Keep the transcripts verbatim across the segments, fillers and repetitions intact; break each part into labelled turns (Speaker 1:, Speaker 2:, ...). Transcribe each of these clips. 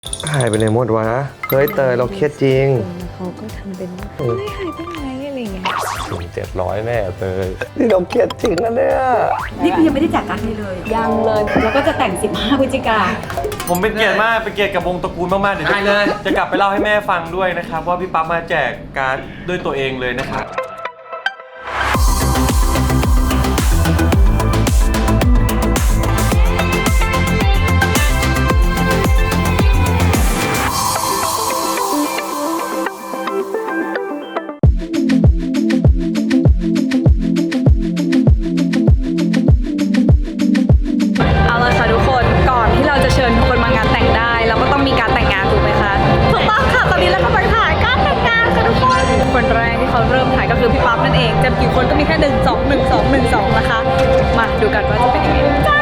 Speaker 1: หายไปไหนหมดวะเฮ้ยเตยเราเครียดจริง
Speaker 2: เขาก็ทำเป็นเฮ้ยหายไปไหนอะไรเงี้ย
Speaker 1: ถึงเจ็ดร้อยแม่เตยนี่เราเครียดจริงนะเนี่ย
Speaker 2: นี่คือยังไม่ได้จัดการให้เลยยังเลยแล้วก็จะแต่งสิบห้าพฤศจิกา
Speaker 3: ผมเป็นเกียรติมากเป็นเกียรติกับวงตระกูลมากๆเดี๋ยวได้เลยจะกลับไปเล่าให้แม่ฟังด้วยนะครับว่าพี่ปั๊บมาแจกการ์ดด้วยตัวเองเลยนะครับ
Speaker 2: ดูกันว่าจะเป็นยังไงจ้า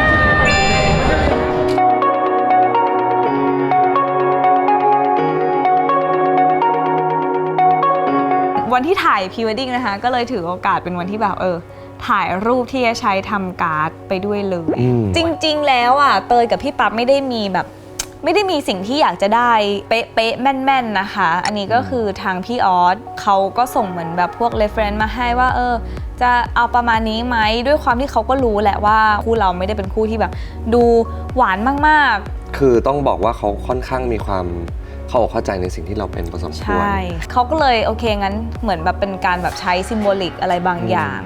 Speaker 2: วันที่ถ่ายพรีเวดดิ้งนะคะก็เลยถือโอกาสเป็นวันที่แบบเออถ่ายรูปที่จะใช้ทำการ์ดไปด้วยเลยจริงๆแล้วอ่ะเตยกับพี่ปั๊บไม่ได้มีแบบไม่ได้มีสิ่งที่อยากจะได้เป๊ะๆแม่นๆนะคะอันนี้ก็คือทางพี่ออสเขาก็ส่งเหมือนแบบพวก reference มาให้ว่าเออจะเอาประมาณนี้ไหมด้วยความที่เขาก็รู้แหละว่าคู่เราไม่ได้เป็นคู่ที่แบบดูหวานมาก
Speaker 1: ๆคือต้องบอกว่าเขาค่อนข้างมีความเข้าอกเข้าใจในสิ่งที่เราเป็นผสมควรใช่
Speaker 2: เขาก็เลยโอเคงั้นเหมือนแบบเป็นการแบบใช้ซิมโบลิกอะไรบางอย่าง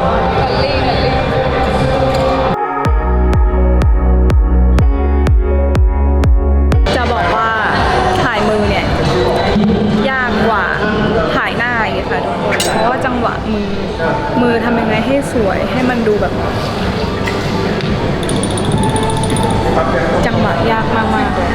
Speaker 2: จะบอกว่าถ่ายมือเนี่ยยากกว่าถ่ายหน้าอีกค่ะทุกคนเพราะว่าจังหวะมือมือทำยังไงให้สวยให้มันดูแบบจังหวะยากมากๆเลย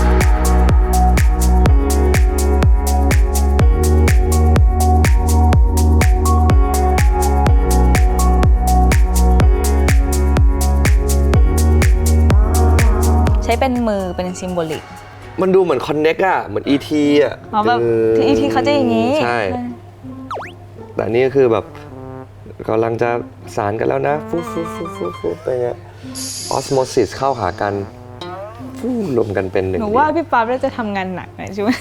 Speaker 2: ใช้เป็นมือเป็นซิมโบลิก
Speaker 1: มันดูเหมือนคอนเน็กอะเหมือน อี ที อะ
Speaker 2: อ๋อแบบที่ อี ที เขาจะอย่างนี้
Speaker 1: ใช่แต่นี่คือแบบกำลังจะสารกันแล้วนะฟูฟูฟูฟูฟูไปเงี้ยออสโมซิสเข้าหากันฟูรวมกันเป็นหนึ่ง
Speaker 2: หนูว่าพี่ปั๊บน่าจะทำงานหนักนะใช่ไหม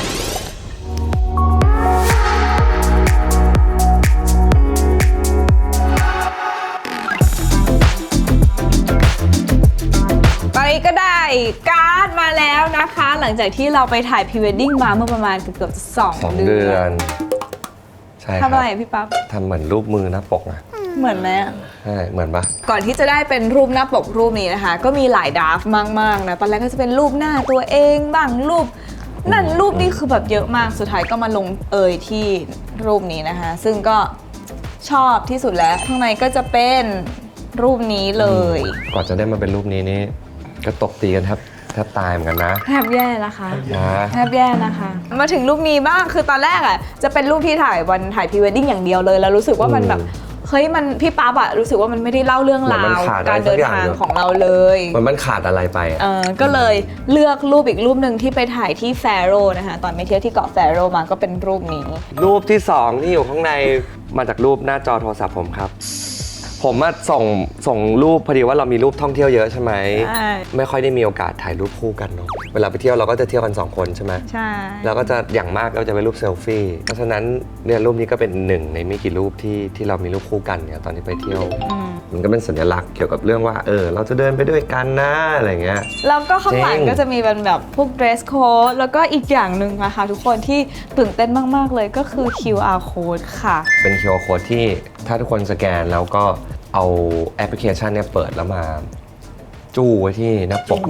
Speaker 2: ตอนนี้ก็ได้การ์ดมาแล้วนะคะหลังจากที่เราไปถ่ายพรีเวดดิ้งมาเมื่อประมาณเกือบๆสองเดือน
Speaker 1: ใช่
Speaker 2: ทำอะไรพี่ปั๊บ
Speaker 1: ทำเหมือนรูปมือหน้าปกอะ
Speaker 2: เหมือนไหม
Speaker 1: ใช่เหมือนปะ
Speaker 2: ก่อนที่จะได้เป็นรูปหน้าปกรูปนี้นะคะก็มีหลายดราฟต์มากๆนะตอนแรกก็จะเป็นรูปหน้าตัวเองบ้างรูปนั่นรูปนี้คือแบบเยอะมากสุดท้ายก็มาลงเอยที่รูปนี้นะคะซึ่งก็ชอบที่สุดแล้วข้างในก็จะเป็นรูปนี้เลย
Speaker 1: ก่อนจะได้มาเป็นรูปนี้นี่ก็ตบตีกันแทบแทบตายเหมือนกันนะ
Speaker 2: แทบแย่นะคะแทบแย่นะคะมาถึงรูปนี้บ้างคือตอนแรกอ่ะจะเป็นรูปที่ถ่ายวันถ่ายพรีเวดดิ้งอย่างเดียวเลยแล้วรู้สึกว่ามันแบบเฮ้ยมันพี่ป๊าบอะรู้สึกว่ามันไม่ได้เล่าเรื่องราวการเดินทางของเราเลย
Speaker 1: มันมันขาดอะไรไป
Speaker 2: เออก็เลยเลือกรูปอีกรูปหนึ่งที่ไปถ่ายที่แฟโรนะคะตอนไปเที่ยวที่เกาะแฟโรมาก็เป็นรูปนี้
Speaker 1: รูปที่สองที่อยู่ข้างในมาจากรูปหน้าจอโทรศัพท์ผมครับผมมาส่งส่งรูปพอดีว่าเรามีรูปท่องเที่ยวเยอะใช่ไหมไม่ค่อยได้มีโอกาสถ่ายรูปคู่กันเนาะเวลาไปเที่ยวเราก็จะเที่ยวกันสองคนใช่ไหม
Speaker 2: ใช่
Speaker 1: แล้วก็จะอย่างมากก็จะเป็นรูปเซลฟี่เพราะฉะนั้นเนี่ยรูปนี้ก็เป็นหนึ่งในไม่กี่รูปที่ที่เรามีรูปคู่กันเนี่ยตอนที่ไปเที่ยวมันก็เป็นสัญลักษณ์เกี่ยวกับเรื่องว่าเออเราจะเดินไปด้วยกันนะอะไรเงี้ย
Speaker 2: แล้วก็ข้างหลังก็จะมีเป็นแบบพวก dress code แล้วก็อีกอย่างหนึ่งนะคะทุกคนที่ตื่นเต้นมากๆเลยก็คือ คิว อาร์ code ค่ะ
Speaker 1: เป็น คิว อาร์ code ที่ถ้าทุกคนสแกนแล้วก็เอาแอปพลิเคชันเนี่ยเปิดแล้วมาจู้ไว้ที่หน้าปก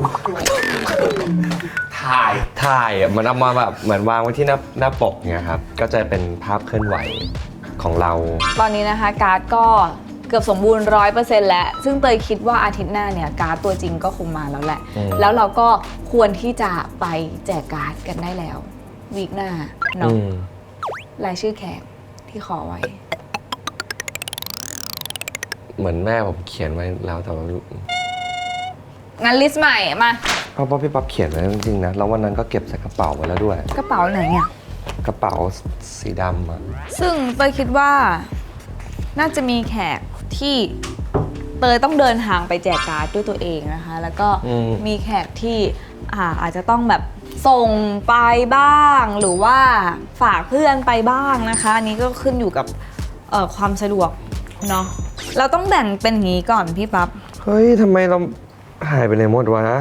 Speaker 1: ถ่ายถ่ายอ่ะมันเอามาแบบเหมือนวางไว้ที่หน้าหน้าปกเนี่ยครับก็จะเป็นภาพเคลื่อนไหวของเรา
Speaker 2: ตอนนี้นะคะการ์ดก็เกือบสมบูรณ์ ร้อยเปอร์เซ็นต์ แล้วซึ่งเตยคิดว่าอาทิตย์หน้าเนี่ยการ์ดตัวจริงก็คงมาแล้วแหละแล้วเราก็ควรที่จะไปแจกการ์ดกันได้แล้ววีคหน้าเนาะรายชื่อแขกที่ขอไว้
Speaker 1: เหมือนแม่ผมเขียนไว้แล้วแต่ว่า
Speaker 2: งั้นลิสต์ใหม่มา
Speaker 1: เพราะว่าพี่ปั๊บเขียนไว้จริงๆนะแล้ววันนั้นก็เก็บใส่กระเป๋าไว้แล้วด้วย
Speaker 2: กระเป๋าไหนเนี่ย
Speaker 1: กระเป๋าสีดำอ่ะ
Speaker 2: ซึ่งเตยคิดว่าน่าจะมีแขกที่เตยต้องเดินทางไปแจกการ์ดด้วยตัวเองนะคะแล้วก็มีแขกที่อาอาจจะต้องแบบส่งไปบ้างหรือว่าฝากเพื่อนไปบ้างนะคะอันนี้ก็ขึ้นอยู่กับเอ่อความสะดวกเนาะเราต้องแบ่งเป็นอย่างนี้ก่อนพี่ปั๊บ
Speaker 1: เฮ้ยทำไมเราหายไปไหนหมดวะ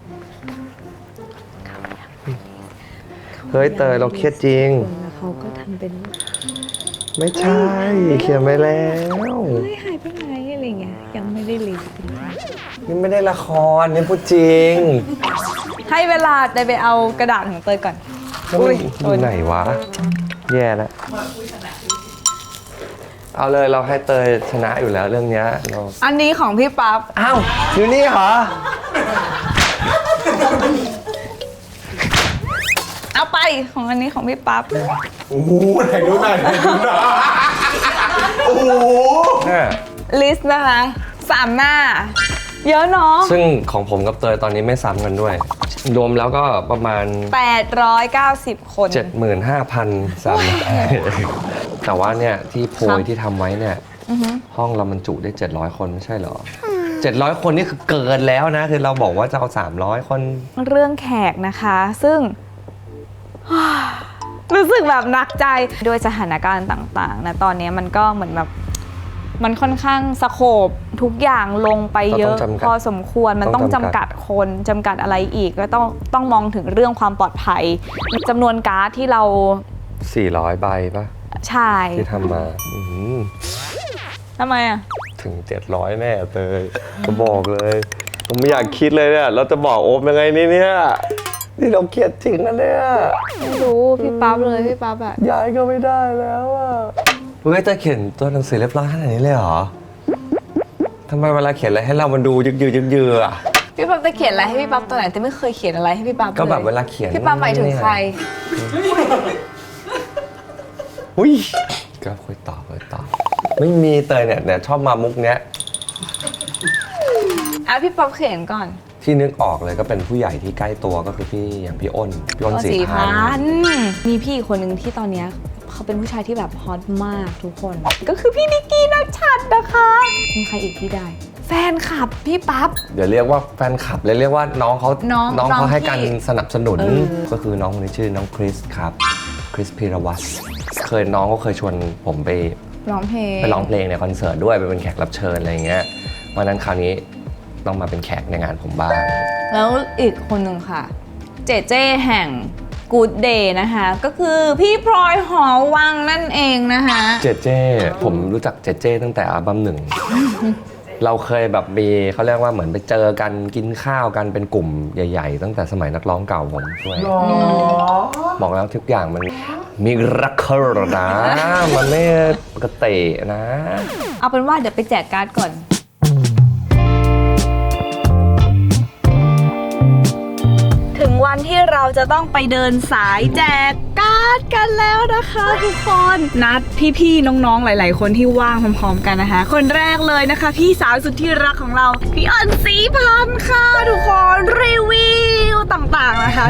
Speaker 1: เฮ้ยเตยเราเครียดจริง
Speaker 2: แล้วเขาก็ทำเป็น
Speaker 1: ไม่ใช่เขียนไปแล้ว
Speaker 2: เฮ้ยหายไปไหนอะไรเงี้ยยังไม่ได้รีบ
Speaker 1: นี่ไม่ได้ละครนี่พูดจริง
Speaker 2: ให้เวลาเตยไปเอากระดาษของเตยก่อน
Speaker 1: อุ้ยอยู่ไหนวะ แย่แล้วเอาเลยเราให้เตยชนะอยู่แล้วเรื่องเนี้ยเรา
Speaker 2: อันนี้ของพี่ปั๊บ
Speaker 1: อ้าวอยู่นี่เหรอ
Speaker 2: เอาไปของอันนี้ของพี่ปั๊บ
Speaker 3: โอ้โหไหนดูหน่อยไหนดูหน่อยโอ้โห
Speaker 1: เนี่ย
Speaker 2: ลิสต์นะคะสามหน้า เยอะเนาะ
Speaker 1: ซึ่งของผมกับเตยตอนนี้ไม่ซ้ำกันด้วย รวมแล้วก็ประมาณ
Speaker 2: แปดร้อยเก้าสิบ คน
Speaker 1: เจ็ดหมื่นห้าพันสามแต่ว่าเนี่ยที่โพ
Speaker 2: ครั
Speaker 1: ย
Speaker 2: บ
Speaker 1: ที่ทำไว้เนี่ย
Speaker 2: อือฮึ
Speaker 1: ห้องเรามันจุได้เจ็ดร้อยคนไม่ใช่เหรอ เจ็ดร้อยคนนี่คือเกินแล้วนะ คือเราบอกว่าจะเอาสามร้อยคน
Speaker 2: เรื่องแขกนะคะ ซึ่ง รู้สึกแบบหนักใจด้วยสถานการณ์ต่างๆนะตอนนี้มันก็เหมือนแบบมันค่อนข้างสโคปทุกอย่างลงไปเยอะพอสมควรมันต้องจำกัดคนจำกัดอะไรอีกก็ต้องต้องมองถึงเรื่องความปลอดภัยจำนวนการ์ดที่เรา
Speaker 1: สี่ร้อยใบปะ
Speaker 2: ใช่
Speaker 1: ที่ทำมาอื้อหือ
Speaker 2: ทำไมอ่ะ
Speaker 1: ถึงเจ็ดร้อยแน่เตยจะบอกเลย ผมไม่อยากคิดเลยเนี่ยเราจะบอกโอมยังไงนี่เนี่ยนี่เราเครียดจริงนะเนี่ย
Speaker 2: ไม่รู้พี่ปั๊บเลยพี่ปั๊บอะ
Speaker 1: ย้ายก็ไม่ได้แล้วอ่ะเฮ้ยแต่เขียนตัวหนังสือเรียบร้อยขนาดนี้เลยเหรอทำไมเวลาเขียนอะไรให้เรามันดูยึกยือยึกยืออ่ะ
Speaker 2: พี่ปั๊บจะเขียนอะไรให้พี่ปั๊บตัวไหนแต่ไม่เคยเขียนอะไรให้พี่ปั๊บเลย
Speaker 1: ก็แบบเวลาเขียน
Speaker 2: พี่ปั๊บหมายถึงใคร
Speaker 1: อุ้ยก็คุยต่อคุยต่อไม่มีเตยเนี่ยเนี่ยชอบมามุกเนี้ย
Speaker 2: อ่ะพี่ป๊อปเขียนก่อน
Speaker 1: ที่นึกออกเลยก็เป็นผู้ใหญ่ที่ใกล้ตัวก็คือพี่อย่างพี่อ้นพี่อ้นสีพันธุ์
Speaker 2: มีพี่อีกคนหนึ่งที่ตอนเนี้ยเขาเป็นผู้ชายที่แบบฮอตมากทุกคน ก็คือพี่นิกกี้นัชชัดนะคะ มีใครอีกที่ได้ แฟนคลับพี่ปั๊บ
Speaker 1: เดี๋ยวเรียกว่าแฟนคลับเลยเรียกว่าน้องเขา
Speaker 2: น้อง
Speaker 1: น้อง
Speaker 2: น้อง
Speaker 1: เขาให้
Speaker 2: ที่
Speaker 1: การสนับสนุน
Speaker 2: เออ
Speaker 1: ก็คือน้องคนนี้ชื่อน้องคริสครับคริสพีรวัตรเคยน้องก็เคยชวนผมไป
Speaker 2: ร้องเพลง
Speaker 1: ไปร้องเพลงในคอนเสิร์ตด้วยไปเป็นแขกรับเชิญอะไรอย่างเงี้ยวันนั้นคราวนี้ต้องมาเป็นแขกในงานผมบ้าง
Speaker 2: แล้วอีกคนหนึ่งค่ะ เจเจแห่ง Good Day นะคะ ก็คือพี่พลอยหอวังนั่นเองนะคะ
Speaker 1: เจเจผมรู้จักเจเจตั้งแต่อัลบั้มหนึ่ง เราเคยแบบมีเขาเรียกว่าเหมือนไปเจอกันกินข้าวกันเป็นกลุ่มใหญ่ๆ ตั้งแต่สมัยนักร้องเก่าผมด้วยบอกแล้วทุกอย่างมันมีรักเคอร์นะ มันไม่ปกตินะ
Speaker 2: เอาเป็นว่าเดี๋ยวไปแจกการ์ดก่อน ถึงวันที่เราจะต้องไปเดินสายแจกการ์ดกันแล้วนะคะทุกคน นัดพี่ๆน้องๆหลายๆคนที่ว่างพร้อมๆกันนะคะ คนแรกเลยนะคะ พี่สาวสุดที่รักของเราพี่อ้นศรีพันธ์ค่ะทุกคนรีวิวต่างๆนะคะ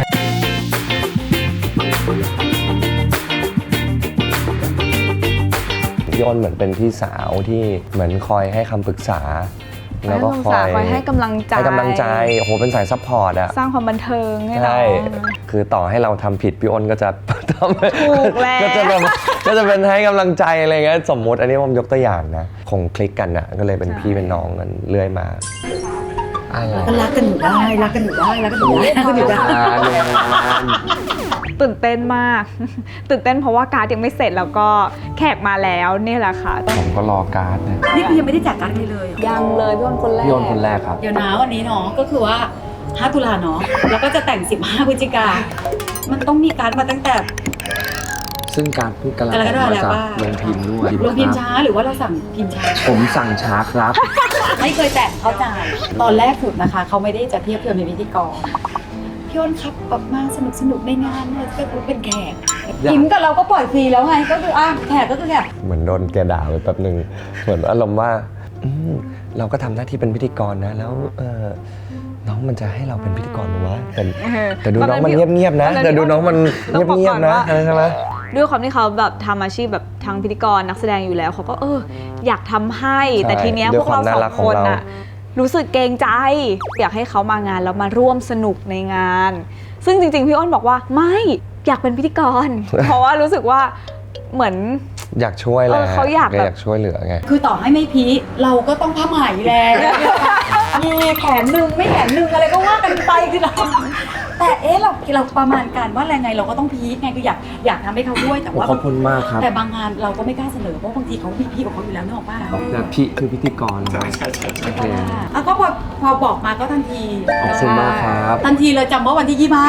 Speaker 1: พี่อ้นเหมือนเป็นพี่สาวที่เหมือนคอยให้คำปรึกษา แล้วก็คอย
Speaker 2: คอยให้กำลังใจ
Speaker 1: ให้กำลังใจโอ้โหเป็นสายซัพพอร์ตอะ
Speaker 2: สร้างความบันเทิงให้เรา
Speaker 1: ใช่คือต่อให้เราทำผิดพี่อ้นก็จะทำ
Speaker 2: ถูกแล้ว
Speaker 1: ก็จะแบบก็จะเป็นให้กำลังใจอะไรเงี้ยสมมติอันนี้ผมยกตัวอย่างนะคงคลิกกันอะก็เลยเป็นพี่เป็นน้องกันเรื่อยมาอะไร
Speaker 4: ก็รักกันอยู่ได้รักกันอยู่ได้รักกันอยู่ได้รักกันอยู่ได้
Speaker 1: งานเนี่ยงาน
Speaker 2: ตื่นเต้นมาก ตื่นเต้นเพราะว่าการ์ดยังไม่เสร็จแล้วก็แขกมาแล้วนี่แหละค่ะ
Speaker 1: ผมก็รอการ์ดนะ
Speaker 4: นี่คือยังไม่ได้แจกการ์ดเลยเลยเหรอ
Speaker 2: ยังเลยพี่อ้นคนแรก
Speaker 1: พี่อ้นคนแรกครับ
Speaker 4: เดี๋ยวนะวันนี้เนาะก็คือว่าห้าตุลาเนาะแล้วก็จะแต่งสิบห้าพฤศจิกามันต้องมีการ์ดมาตั้งแต่
Speaker 5: ซึ่งการพูดกำลัง
Speaker 4: กำลัง
Speaker 5: ออกมา
Speaker 4: แล้ว
Speaker 5: จาก
Speaker 4: ว่า
Speaker 5: โรงพิมพ์ด้วย
Speaker 4: ลงพิมพ์ช้าหรือว่าเราสั่งพิมพ์ช้า
Speaker 5: ผมสั่งช้าครับ
Speaker 4: ไม่เคยแต่งเข้าใจตอนแรกสุดนะคะเขาไม่ได้จะเทียบเทียมเป็นพิธีกรพี่อ้นครับออกมาสนุกสนุกในงานเนี่ยก็คือเป็นแขกพิมพ์กับเราก็ปล่อยฟรีแล้วไงก็คืออ่ะแขกก็คือแขก
Speaker 1: เหมือนโดนแกด่าไปแป๊บหนึ่งเหมือนอารมณ์ว่าอืมเราก็ทำหน้าที่เป็นพิธีกรนะแล้วเออน้องมันจะให้เราเป็นพิธีกรมั้ยวะแต่
Speaker 2: เออ
Speaker 1: แต่ดูน้องมัน
Speaker 2: ตอนนั้นพี่
Speaker 1: เงียบๆนะ
Speaker 2: ตอนนั้น
Speaker 1: แต่ดูน้องมัน
Speaker 2: ต้องบอก
Speaker 1: เงีย
Speaker 2: ก่
Speaker 1: บ
Speaker 2: อน
Speaker 1: ๆนะ
Speaker 2: ว่า
Speaker 1: อะไรใช่ไหม
Speaker 2: ด้วยความที่เขาแบบทำอาชีพแบบทางพิธีกรนักแสดงอยู่แล้วเขาก็เอออยากทำให้แต่ทีเนี้ยพวกเราสองคนอะรู้สึกเกรงใจ อยากให้เขามางานแล้วมาร่วมสนุกในงานซึ่งจริงๆพี่อ้นบอกว่าไม่อยากเป็นพิธีกร เพราะว่ารู้สึกว่าเหมือน
Speaker 1: อยากช่วยแหละ
Speaker 2: เออเขาอยากแบบ
Speaker 1: อยากช่วยเหลือไง
Speaker 4: คือต่อให้ไม่พีเราก็ต้องผ้าไหมแล้วมีแขนหนึ่งไม่แขนหนึ่งอะไรก็ว่ากันไปคือเราแต่เอ๊ะเราเราประมาณการว่าอะไรไงเราก็ต้องพีคไงคืออยากอยากทำให้เขาด้วยแต่ว่า
Speaker 5: ขอบคุณมากครับ
Speaker 4: แต่บางงานเราก็ไม่กล้าเสนอเพราะบางทีเขามีพี่ของเขาอยู่แล้วนึกออกป่ะ
Speaker 5: แต่พี่คือพิธีกรครับโอเค
Speaker 4: อ่ะก็พอพอบอกมาก็ทันที
Speaker 5: ขอบคุณมากครับ
Speaker 4: ทันทีเลยจำว่าวันที่ยี่สิบห้า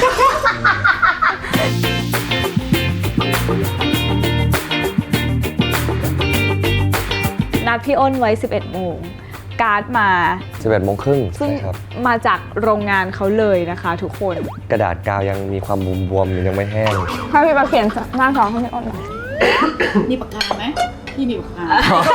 Speaker 2: นัดพี่อ้นไว้ สิบเอ็ดโมงการ์ดมา
Speaker 1: สิบเอ็ดโมงครึ่ง
Speaker 2: ซึ่ง
Speaker 1: ครับ
Speaker 2: มาจากโรงงานเขาเลยนะคะทุกคน
Speaker 1: กระดาษกาวยังมีความบวมๆยังไม่แห้ง
Speaker 2: ถ้าพี่มาเขียนหน้าท้องให้พี่อ้นหน่อย
Speaker 4: มีปากกาไหมพี่มีปากกา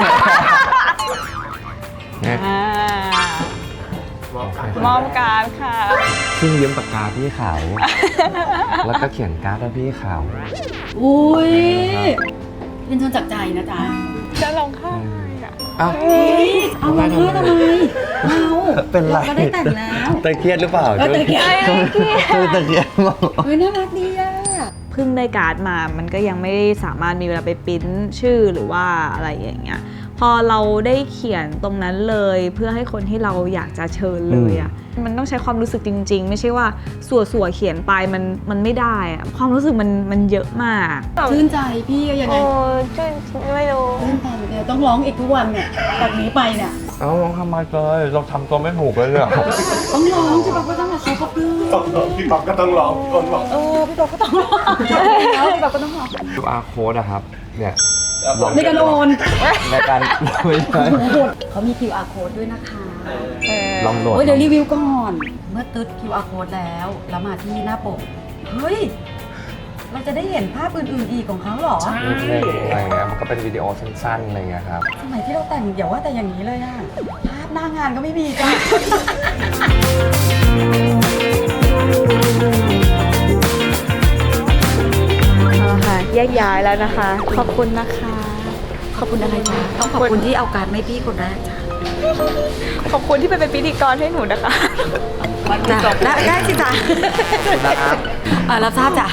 Speaker 2: อ่ามอบการ์ดค่ะ
Speaker 1: ซึ่งยืมปากกาพี่เขา แล้วก็เขียนการ์ดให้พี่เขา
Speaker 4: อุ้ยเป็นชนจากใจนะจ๊ะ
Speaker 2: จะลงค่าอ่ะ
Speaker 1: อ้าว
Speaker 4: เอามาเพื่อทำไมเอา
Speaker 1: เป็นไร
Speaker 4: ก็ได้แต่งแล้ว
Speaker 1: ตะเครียดหรือเปล่า
Speaker 4: เออตะเกียบ
Speaker 1: ช่วยตะเครียดมาก
Speaker 4: เฮ้ยน่ารักดีอ่ะ
Speaker 2: เพิ่งได้การ์ดมามันก็ยังไม่ได้สามารถมีเวลาไปปริ้นชื่อหรือว่าอะไรอย่างเงี้ยพอเราได้เขียนตรงนั้นเลยเพื่อให้คนที่เราอยากจะเชิญเลยอ่ะมันต้องใช้ความรู้สึกจริงๆ ไม่ใช่ว่าสัวสัวๆเขียนไปมันมันไม่ได้อ่ะความรู้สึกมันมันเยอะมาก
Speaker 4: ชื่นใจพี่ก็ยังไง
Speaker 2: โอ้ชื่นไม่รู้
Speaker 4: ชื่นใจเดี๋ยวต้องร้องอีกทุกวันเนี่ยจากนี้ไปเนี่ย
Speaker 5: เอ้าลองทำไมเลยเราทำตัวไม่ถูกเลยเนี่ย
Speaker 4: ต้องร้องใช่ปะก็ต้องมาเขาก็ปลื้ม
Speaker 3: พี่ป๊อปก็ต้องร้องคนบอก
Speaker 4: เออพี่บอกก็ต้องร้องแล้วพี่บอกก็ต้องร้อง
Speaker 5: คิว อาร์ code อะครับ เนี่ย
Speaker 4: ในการโอน
Speaker 5: ในการไม่ใช่
Speaker 4: เขามี คิว อาร์ code ด้วยนะคะ
Speaker 5: ลองโหลด
Speaker 4: โอ้ยเดี๋ยวรีวิวก่อน เมื่อตึ๊ด คิว อาร์ code แล้วแล้วมาที่หน้าปกเฮ้ยเราจะได้เห็นภาพอื่นๆอีกของเขาเหรอ
Speaker 1: เพลงอะไรเงี้ยมันก็เป็นวิดีโอสั้นๆอะไรเงี้ยครับ
Speaker 4: สมัยที่เราแต่งอย่าว่าแต่อย่างนี้เลยอะภาพหน้างานก็ไม่มีจ้ะ
Speaker 2: เอาละค่ะแยกย้ายแล้วนะคะ ขอบคุณนะคะ
Speaker 4: ขอบคุณอะไรจ๊ะต้องขอบคุณที่เอาการไม่พี่คนแรกจ้ะ
Speaker 2: ขอบคุณที่ไปเป็นพิธีกรให้หนูนะคะ
Speaker 4: จ้ะได้ได้สิจ้ะอ่ารับทราบจ้ะ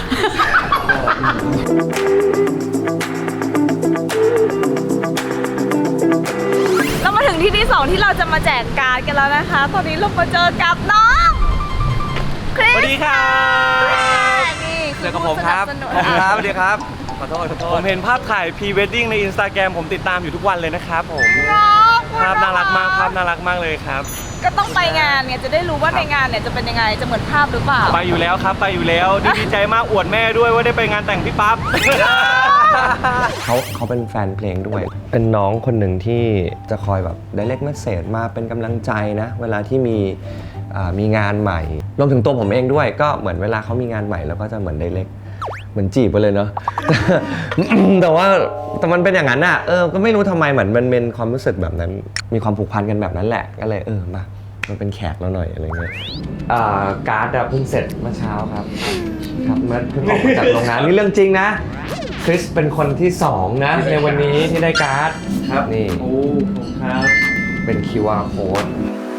Speaker 2: เรามาถึงที่ที่สองที่เราจะมาแจกการ์ดกันแล้วนะคะ ตอนนี้เรามาเจอกับน้องคริ
Speaker 3: ส
Speaker 2: ส
Speaker 3: วัสดีครับ
Speaker 2: นี่
Speaker 3: เจอกับผมครับ
Speaker 2: ผู้สนั
Speaker 3: สวัสดีครับ
Speaker 2: ส
Speaker 3: สวัสดีครับ ขอโทษขอโทษผมเห็นภาพถ่ายพรีเวดดิ้งในอินสตาแกรมผมติดตามอยู่ทุกวันเลยนะครับผม
Speaker 2: น้อง
Speaker 3: ภาพน่ารักมากภาพน่ารักมากเลยครับ
Speaker 2: ก็ต้องไปงานเนี่ยจะได้รู้ว่าในงานเนี่ยจะเป็นยังไงจะเหมือนภาพหรือเปล่า
Speaker 3: ไปอยู่แล้วครับไปอยู่แล้วดีดีใจมากอวดแม่ด้วยว่าได้ไปงานแต่งพี่ปั๊บ
Speaker 1: เขาเขาเป็นแฟนเพลงด้วย เป็นน้องคนหนึ่งที่จะคอยแบบ direct message มาเป็นกำลังใจนะ เวลาที่มีอ่ามีงานใหม่ รวมถึงตัวผมเองด้วย ก็เหมือนเวลาเขามีงานใหม่แล้วก็จะเหมือน direct เหมือนจีบไปเลยเนาะ แต่ว่าแต่มันเป็นอย่างนั้นอ่ะ เออ ก็ไม่รู้ทำไมเหมือนมันเป็นความรู้สึกแบบนั้น มีความผูกพันกันแบบนั้นแหละ ก็เลยเออมามันเป็นแขกเราหน่อยอะไรเงี้ย อ่าการ์ดอะเพิ่งเสร็จเมื่อเช้าครับ ครับเมื่อเพิ่งออกมาจากโรงงานนี่เรื่องจริงนะ คริสเป็นคนที่สองนะ ในวันนี้ที่ได้การ์ด
Speaker 3: ครับ
Speaker 1: นี่
Speaker 3: โอ้ครับ
Speaker 1: เป็น คิว อาร์ code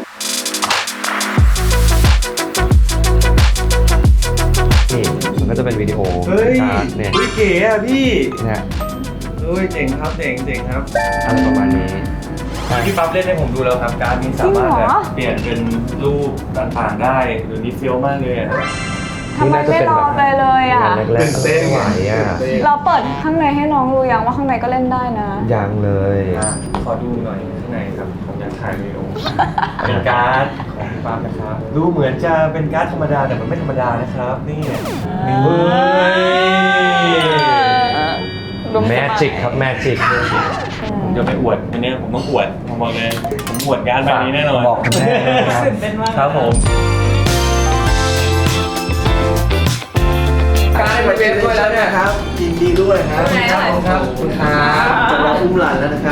Speaker 1: นี่มันก็จะเป็นวิดีโอ
Speaker 3: เฮ้ย
Speaker 1: การ์ดเนี่ย
Speaker 3: อุ๊ยเก๋อะพี่
Speaker 1: เนี่ย
Speaker 3: เฮ้ยเจ๋งครับเจ๋งเจ๋งครับ
Speaker 1: อะไรประมาณนี้
Speaker 3: พี่ปั๊บเล่นให้ผมดูแล้วครับการดนี้สามารถแบบเปลี่ยนเป็นรูปต่างๆได้หรือนี่เฟี้ยวมากเลยอะ
Speaker 2: ทำไมไม่ลองเลยเลยอ่ะ
Speaker 1: งานแรกๆไม่ไหวอ่ะ
Speaker 2: เราเปิดข้างในให้น้องดูยังว่าข้างในก็เล่นได้นะ
Speaker 1: ยังเลย
Speaker 3: อ่ะขอดูหน่อยข้างในครับผมอยากถ่ายวิดีโอ เป็นการ์ดของพี่ปั๊บนะครับดูเหมือนจะเป็นการ์ดธรรมดาแต่มันไม่ธรรมดานะครับนี่เฮ้ย
Speaker 1: แมจิกครับแมจิก
Speaker 3: ผมจะไปอวดอันเนี้ยผมต้องอวดผมบอกเลยผมอวดการ์ดใบนี้แน่นอน
Speaker 1: บอกคุณแม่นะครับ
Speaker 3: ครับผม
Speaker 1: การให้มาเป็นด้วยแล้วเนี่ยครับ
Speaker 6: ยินดีด้วยครับ
Speaker 1: ครับผมครับคุณครับ
Speaker 6: จะรออุ้มหลานแล้วนะครับ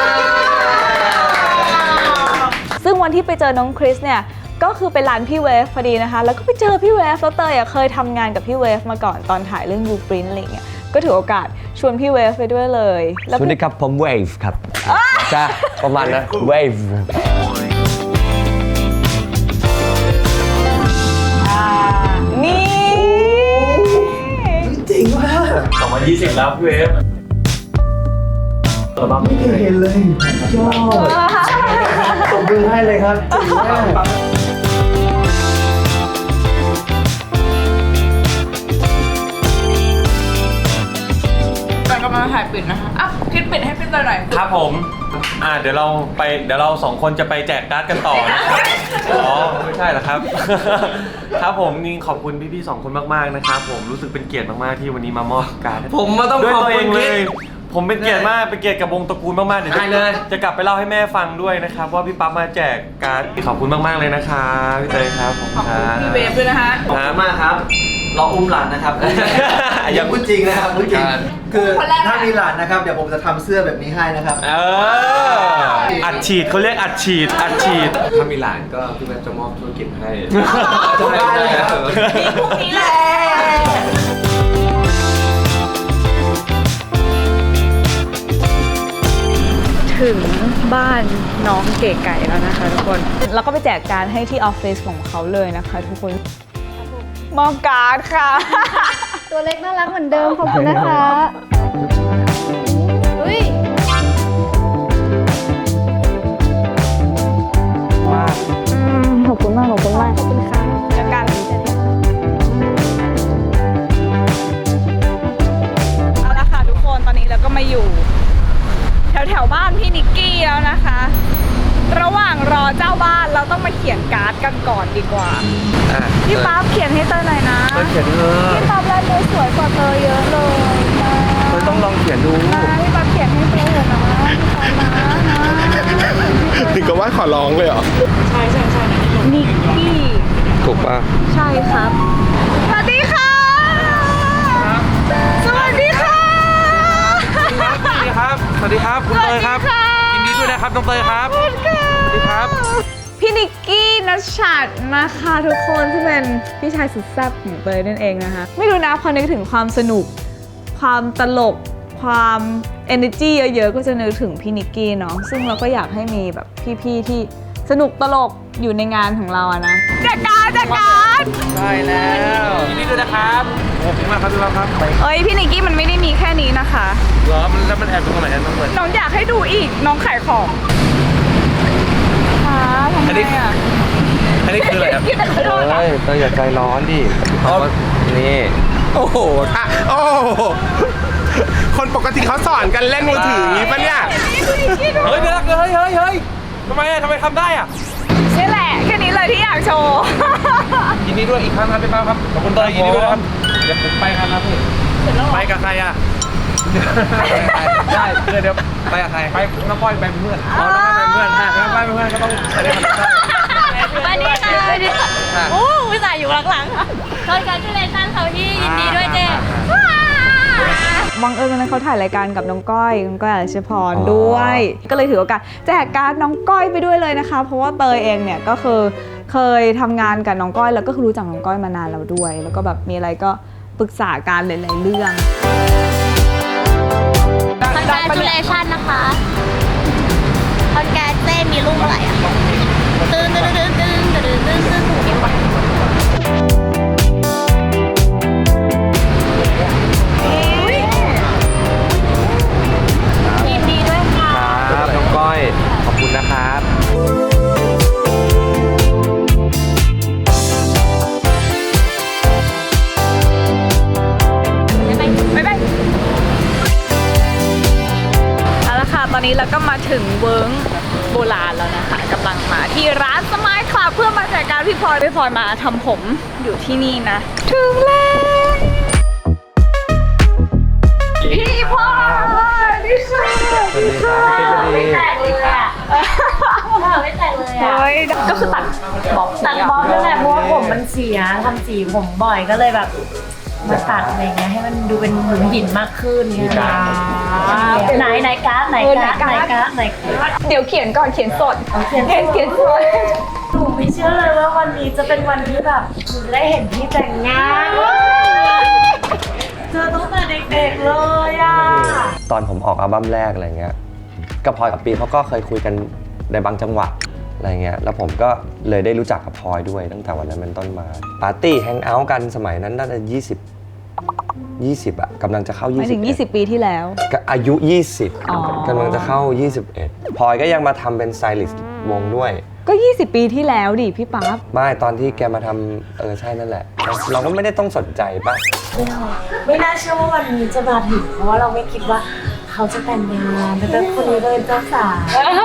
Speaker 2: ซึ่งวันที่ไปเจอน้องคริสเนี่ยก็คือไปร้านพี่เวฟพอดีนะคะ แล้วก็ไปเจอพี่เวฟแล้วเตยอ่ะเคยทำงานกับพี่เวฟมาก่อนตอนถ่ายเรื่อง You Print อะไรเงี้ยก็ถือโอกาสชวนพี่เวฟไปด้วยเลยแล้ว
Speaker 1: สวัสดีครับผมเวฟครับจ้าประมาณนั้นเวฟ
Speaker 2: นี่
Speaker 3: ยี่สิบแล้วพี่เวฟ
Speaker 6: ไม่เคยเห็นเลยยอดตบมือให้เลยครับจริงมาก
Speaker 2: กำลังถ่ายปิดนะคะอ่ะคิดปิดให้พี่เตยหน่อย
Speaker 3: ครับผม อ่าเดี๋ยวเราไปเดี๋ยวเราสองคนจะไปแจกการ์ดกันต่อนะครับอ๋อไม่ใช่เหรอครับ ครับผมนี่ขอบคุณพี่ๆสองคนมากๆนะครับผมรู้สึกเป็นเกียรติมากๆที่วันนี้มามอบการ์ด
Speaker 1: ผมมาต้อง
Speaker 3: ด้วย
Speaker 1: ขอบ
Speaker 3: ตัวเอ
Speaker 1: คุณ
Speaker 3: งเล
Speaker 1: คิด
Speaker 3: ย ผมเป็นเกียรติมากเป็นเกียรติกับวงตระกูลมากๆเดี๋ยว
Speaker 1: ได้เลย
Speaker 3: จะกลับไปเล่าให้แม่ฟังด้วยนะครับว่าพี่ปั๊บมาแจกการ์ดขอบคุณมากๆเลยนะครับพี่เตยครับขอบคุณครับ
Speaker 2: พี่เวฟด้วยนะคะ
Speaker 6: ขอบคุณมากครับรออุ้มหลานนะครับ อย่าพูดจริงนะครับพูดจริง คือ
Speaker 2: คนแรกอะ
Speaker 6: ถ้ามีหลานนะครับ เดี๋ยวผมจะทำเสื้อแบบนี้ให้นะครับ
Speaker 3: เอออัดฉีดเขาเรียกอัดฉีดอัดฉีด
Speaker 1: ถ้ามีหลานก็พี่แม่จะมอบธุรกิจให้
Speaker 6: ได้เลยครับ
Speaker 2: มีพวกนี้แหละ ถึงบ้านน้องเก๋ไก่แล้วนะคะทุกคน แล้วก็ไปแจกการให้ที่ออฟฟิศของเขาเลยนะคะทุกคนมอบการ์ดค่ะ
Speaker 4: ตัวเล็กน่ารักเหมือนเดิมขอบคุณนะคะเฮ้ย
Speaker 2: ขอบคุณมาก ขอบคุณมาก ขอบคุณค่ะเจอกันเอาละค่ะทุกคนตอนนี้เราก็มาอยู่ แถวแถวๆบ้านพี่นิกกี้แล้วนะคะ ระหว่างรอเจ้าบ้านเราต้องมาเขียนการ์ดกันก่อนดีกว่า
Speaker 1: อ่ะ
Speaker 2: พี่ป๊าบเขียนให้เตยหน่อยนะ
Speaker 1: เตยเขียนเถอะ
Speaker 2: พี่ป๊าบลายมือสวยกว่าเตยเยอะเลยนะ
Speaker 1: เตยต้องลองเขียนดู
Speaker 2: นะพี่ป๊าบเขียนให้เตยเถอะนะพี่ป๊าบนะนะ
Speaker 7: ถึงกับว่าขอร้องเลยเหรอ
Speaker 2: นิกกี้
Speaker 1: ถูกป่ะ
Speaker 2: ใช่ครับ สวัสดีค่ะ สวัสดีค่ะ
Speaker 3: สวัสดีครับ สวัสดีครับ คุณเตยครับ ยินดีด้วยนะครับน้องเตยครับ สวัสดีครับ
Speaker 2: พี่นิกกี้นัชชัดนะคะทุกคนที่เป็นพี่ชายสุดแซ่บของเตยนั่นเองนะคะ ไม่รู้นะพอนึกถึงความสนุก ความตลก ความ energy เยอะๆ ก็จะนึกถึงพี่นิกกี้เนาะ ซึ่งเราก็อยากให้มีแบบพี่ๆที่สนุกตลกอยู่ในงานของเราอะนะจัดการจัดการ
Speaker 3: ใช่แล้วยินดีด้วยนะครับขอบคุณมากครับทุกท่านครับ
Speaker 2: เอ้ยพี่นิกกี้มันไม่ได้มีแค่นี้นะคะ
Speaker 3: เหรอมันแล้วมันแอบตรงไหนน้องเตย
Speaker 2: น้องอยากให้ดูอีกน้องขายของค่ะทำไมอ่ะ
Speaker 3: อันนี้คืออะไรครับ
Speaker 1: เฮ้ยเตยอย่าใจร้อนดิเพราะว่านี่
Speaker 7: โอ้โหถ้าโอ้โห คนปกติเขาสอนกันเล่นมือถืออย่างนี้ปะเนี่ย
Speaker 3: เฮ้ยเดี๋ยวนะเฮ้ยเฮ้ยเฮ้ยทำไมอะทำไมทำได้อ่ะ
Speaker 2: นี่แหละแค่นี้เลยที่อยากโชว์
Speaker 3: ยินดีด้วยอีกครั้งครับพี่ป้าครับขอบคุณเตยยินดีด้วยนะครับเดี๋ยวผมไปครับครับพี่ไปกับใครอ่ะได้เดี๋ยวเดี๋ยวไปกับใครไปน้องก้อยไปเป็นเพื่อนอ๋อน้องก้อยเป็นเพื่อนอ่ะน้องก้อยเป็นเพื่อนก็ต้องไปด้วยกัน
Speaker 8: สวัสดีค่ะสวัสดีค่ะโอ้วิสาอยู่หลังๆคอนแกรจูเลชั่นเขาที่ยินดีด้วยเจ๊
Speaker 2: บังเอิญวันนั้นเขาถ่ายรายการกับน้องก้อยน้องก้อยอรัชพรด้วย ก็เลยถือโอกาสแจกการ์ดน้องก้อยไปด้วยเลยนะคะ เพราะว่าเตยเองเนี่ยก็คือเคยทำงานกับน้องก้อยแล้วก็คือรู้จักน้องก้อยมานานแล้วด้วย แล้วก็แบบมีอะไรก็ปรึกษากันหลายๆเรื่อง
Speaker 8: คอนแกรจูเลชั่นนะคะคอนแกรเต้มีลูกเมื่อไหร่อ่ะตื่นตื่นตื่นตื่นตื่นตื่นตื่นตื่นยินดีด้วยค่ะ
Speaker 1: ครับน้องก้อยขอบคุณนะครับ
Speaker 2: บ๊ายบายเอาละค่ะ ตอนนี้เราก็มาถึงเวิร์กโบราณแล้วนะคะกำลังมาที่ร้านสมายคลับเพื่อมาจัดการพี่พลอยพี่พลอยมาทำผมอยู่ที่นี่นะ ถึงแล้วพี่พลอยนี่ค่ะ
Speaker 1: สวัสดีครับพี่ติ๊กดี
Speaker 8: ไม่แตกเลยอ่ะไม่แตกเลยอ่ะ
Speaker 2: เฮ้ยก็คือตัดบ๊อบ
Speaker 9: ตัดบ๊อบนั่นแหละเพราะว่าผมมันเสียทำสีผมบ่อยก็เลยแบบมาตัดอะไรเงี้ยให้มันดูเป็นหมุนหินมากขึ้นเนี่ยไหนไหนการ์ดไหนการ์ดไหนการ์ดไหนการ์ด
Speaker 2: เดี๋ยวเขียนก่อนเขียนสด
Speaker 9: เขียน
Speaker 2: เขียนเขียนสด
Speaker 9: หนูไม่เชื่อเลยว่าวันนี้จะเป็นวันที่แบบหนูได้เห็นพี่แต่งงานเจอตั้งแต่เด็กๆเลยอ่ะ
Speaker 1: ตอนผมออกอัลบั้มแรกอะไรเงี้ยกับพลอยกับปีเขาก็เคยคุยกันในบางจังหวะอะไรเงี้ยแล้วผมก็เลยได้รู้จักกับพลอยด้วยตั้งแต่วันนั้นเป็นต้นมาปาร์ตี้แฮงเอาท์กันสมัยนั้นน่าจะยี่สิบยี่สิบอะกำลังจะเข้า
Speaker 2: ห
Speaker 1: ยี่
Speaker 2: มาย
Speaker 1: สิ
Speaker 2: ถึ
Speaker 1: บ
Speaker 2: ง ยี่สิบ ปีที่แล้ว
Speaker 1: ก็อายุ ยี่สิบ
Speaker 2: อ๋อ
Speaker 1: กำลังจะเข้า ยี่สิบเอ็ดพลอยก็ยังมาทำเป็นสไตลิสต์วงด้วย
Speaker 2: ก็ ยี่สิบ ปีที่แล้วดิพี่ปั๊บ
Speaker 1: ไม่ตอนที่แกมาทำเออใช่นั่นแหละ เราก็ไม่ได้ต้องสนใจป่ะ
Speaker 9: ไม่น่าเชื่อว่าวันนี้จะมาถึงเพราะว่าเราไม่คิดว่าเขาจะแต่งงานแต่เป็นคนนี้เลยเจ้าสาว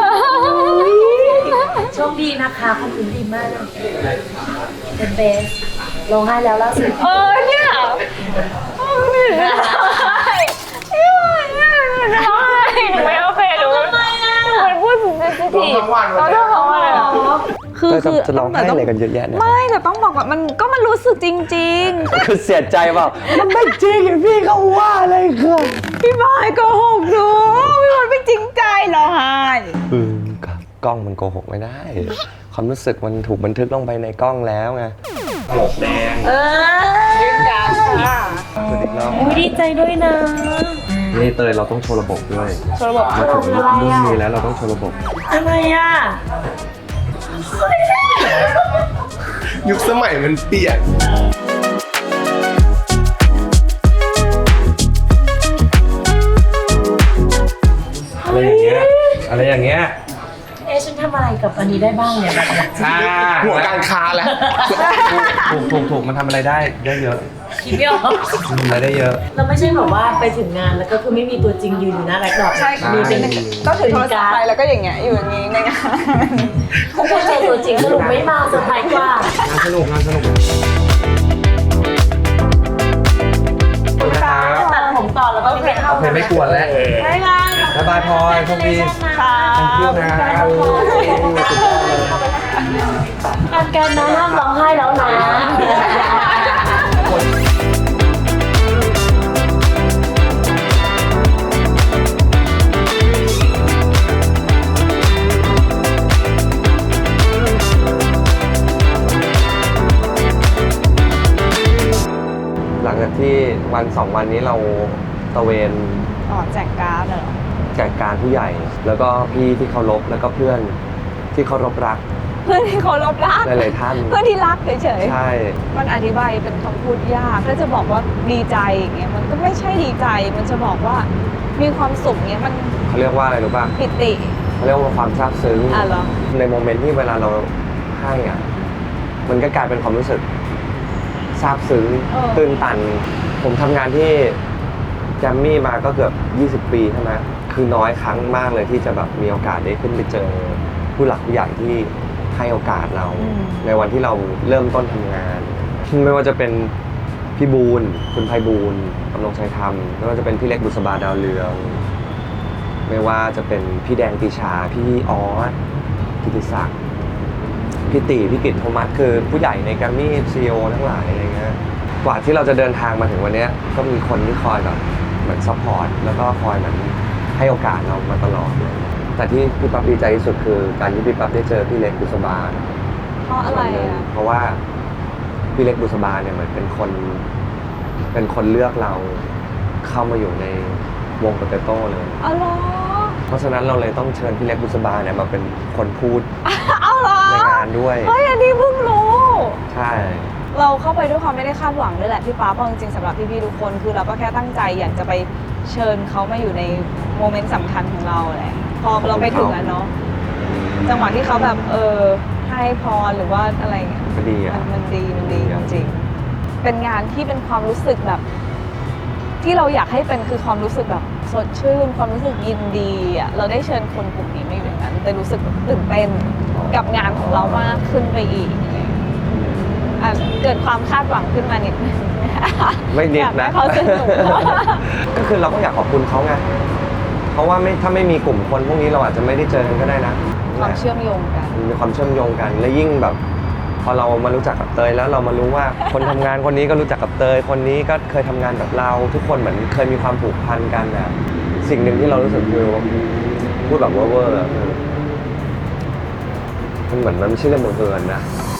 Speaker 9: โชคดีนะคะคนอื่นดีมากเป็นเบสร้องไห้แล้วล่าสุด
Speaker 2: เออเนี่ยไม่ได้ไม่ไหวเนี่ยไม่โอเคหนูทำไมอ่ะมันพูดถึงเซนซิทีฟเราต้องร้องอะไรหรอคือ
Speaker 1: จะ
Speaker 2: คือ
Speaker 1: จะร้องไห้อะไรกันเยอะแยะเนี่ย
Speaker 2: ไม่แต่ต้องบอกว่ามันก็มันรู้สึกจริง
Speaker 1: คือเสียใจเปล่ามันไม่จริงอย่างพี่เขาว่าอะไรครับ
Speaker 2: ๆ พี่บอยโกหกหนูพี่บอยไม่จริงใจเหรอไฮ
Speaker 1: เออกล้องมันโกหกไม่ได้ ความรู้สึกมันถูกบันทึกลงไปในกล้องแล้วไงหลกแดง
Speaker 2: เออยืนกันค่ะ
Speaker 1: สวัสดีครับ
Speaker 9: อุ๊ยดีใจด้วยนะ
Speaker 1: นี่เตยเราต้องโชว์ระบบด้วย
Speaker 2: โชว์ระบบ
Speaker 1: มาถึงรุ่นนี้แล้วเราต้องโชว์ระบบ
Speaker 9: อะไรอ่ะ
Speaker 7: ยุคสมัยมันเปลี่ยน
Speaker 1: อะไรอย่างเงี้ยอะไรอย่างเงี้ย
Speaker 9: เอ๊ะฉันทำอะไรกับอันนี้ได้บ้างเนี่ยแบบเนี้ย
Speaker 1: อ่า
Speaker 7: หัวการค้าแล้ว
Speaker 1: ถูกถูกถูกมันทำอะไรได้ได้เยอะ
Speaker 9: คิดไม่ออก
Speaker 1: มันทำอะไรได้เยอะ
Speaker 9: เราไม่ใช่แบบว่าไปถึงงานแล้วก็คือไม่มีตัวจริงยืนอยู่หน้าแล็ปท็อป
Speaker 2: ใช่ค่ะ
Speaker 9: มีเป็น
Speaker 2: ก็ถือโทรศัพท์ไปแล้วก็อย่างเงี้ยอยู่อย่างงี้ในงาน
Speaker 9: เขาควรเจอตัวจริงสรุปไม่มาเซอร์ไพรส์กว่า
Speaker 1: งานสนุกงานสนุก
Speaker 9: ตัดผมต่อแล้วก็ไปเข้า
Speaker 1: โอเคไม่กวนแล้ว
Speaker 2: ไม่มา
Speaker 1: บ๊ายบายพลอยโชคดี
Speaker 2: ค่ะ
Speaker 1: thank you นะโอ้ยสุดยอดเลย
Speaker 9: การการนะห้ามร้องไห้แล้วนะ
Speaker 1: หลังจากที่วันสองวันนี้เราตระเวน
Speaker 2: อ๋อแจกการ์ดเหรอ
Speaker 1: แจกการผู้ใหญ่ แล้วก็พี่ที่เคารพแล้วก็เพื่อนที่เคารพรัก
Speaker 2: เพื่อนที่เคารพรัก
Speaker 1: หลายๆท่าน
Speaker 2: เพื่อนที่รักเฉย
Speaker 1: ใช่
Speaker 2: ๆมันอธิบายเป็นคำพูดยากถ้าจะบอกว่าดีใจอย่างเงี้ยมันก็ไม่ใช่ดีใจ มันจะบอกว่ามีความสุขเงี้ยมัน
Speaker 1: เขาเรียกว่าอะไรรู้ป่ะ
Speaker 2: ปิติ
Speaker 1: เขาเรียกว่าความซาบซึ้ง
Speaker 2: อ่ะเหรอ
Speaker 1: ในโมเมนต์ที่เวลาเราให้อ่ะมันก็กลายเป็นความรู้สึกซาบซึ้งตื้นตัน ผมทำงานที่แจมมี่มาก็เกือบยี่สิบปีใช่ไหมคือน้อยครั้งมากเลยที่จะแบบมีโอกาสได้ขึ้นไปเจอผู้หลักผู้ใหญ่ที่ให้โอกาสเรา ในวันที่เราเริ่มต้นทำงาน ไม่ว่าจะเป็นพี่บูลคุณไพบูลย์กำลงชัยธรรมไม่ว่าจะเป็นพี่เล็กบุษบาดาวเรือง ไม่ว่าจะเป็นพี่แดงปีชาพี่ออสกิติศักดิ์พี่ตีพี่กิตโทมัสคือผู้ใหญ่ในแกรมมี่ซีโอทั้งหลายอะไรเงี้ยกว่าที่เราจะเดินทางมาถึงวันนี้ก็มีคนที่คอยแบบเหมือนซัพพอร์ตแล้วก็คอยเหมือนให้โอกาสเรามาตลอดเลยแต่ที่พี่ปั๊บดีใจที่สุดคือการที่พี่ปั๊บได้เจอพี่เล็กบุษบา
Speaker 2: เพราะอะไรอ่ะ
Speaker 1: เพราะว่าพี่เล็กบุษบาเนี่ยเหมือนเป็นคนเป็นคนเลือกเราเข้ามาอยู่ในวงโปเตโต้เลย
Speaker 2: อ๋อเหรอ
Speaker 1: เพราะฉะนั้นเราเลยต้องเชิญพี่เล็กบุษบาเนี่ยมาเป็นคนพูด
Speaker 2: เอาเหรอ
Speaker 1: ในงานด้วย
Speaker 2: เฮ้ยอันนี้เพิ่งรู้
Speaker 1: ใช่
Speaker 2: เราเข้าไปด้วยความไม่ได้คาดหวังด้วยแหละพี่ป๊าเพราะจริงๆสำหรับพี่ๆทุกคนคือเราก็แค่ตั้งใจอยากจะไปเชิญเขามาอยู่ในโมเมนต์สำคัญของเราแหละพอเราไปถึงอะเนาะจังหวะที่เขาแบบเออให้พรหรือว่าอะไรเงี้ย
Speaker 1: ก็ดีอ่ะ
Speaker 2: มันมันดีมันดีจริงๆเป็นงานที่เป็นความรู้สึกแบบ ที่เราอยากให้เป็นคือความรู้สึกแบบสดชื่นความรู้สึกยินดีอ่ะเราได้เชิญคนกลุ่มนี้มาอยู่ในนั้นแต่รู้สึกแบบตื่นเต้นกับงานของเรามากขึ้นไปอีกอะไรเงี้ยอ่ะเกิดความคาดหวังขึ้นมานิดนึง
Speaker 1: ไม่นิด
Speaker 2: อยากให้
Speaker 1: นะ
Speaker 2: เขาสนุก
Speaker 1: ก็คือเราก็อยากขอบคุณเขาไงเพราะว่าไม่ถ้าไม่มีกลุ่มคนพวกนี้เราอาจจะไม่ได้เจอกันก็ได้นะ
Speaker 2: ความเชื่อมโยงกัน
Speaker 1: มีความเชื่อมโยงกันและยิ่งแบบ พอเรามารู้จักกับเตยแล้วเรามารู้ว่า คนทำงานคนนี้ก็รู้จักกับเตยคนนี้ก็เคยทำงานแบบเราทุกคนเหมือนเคยมีความผูกพันกันนะสิ่งหนึ่งที่เรารู้สึกคือพูดแบบเวอร์ๆอะคือมันเหมือนมันไม่ใช่เรื่องบังเอิญนะ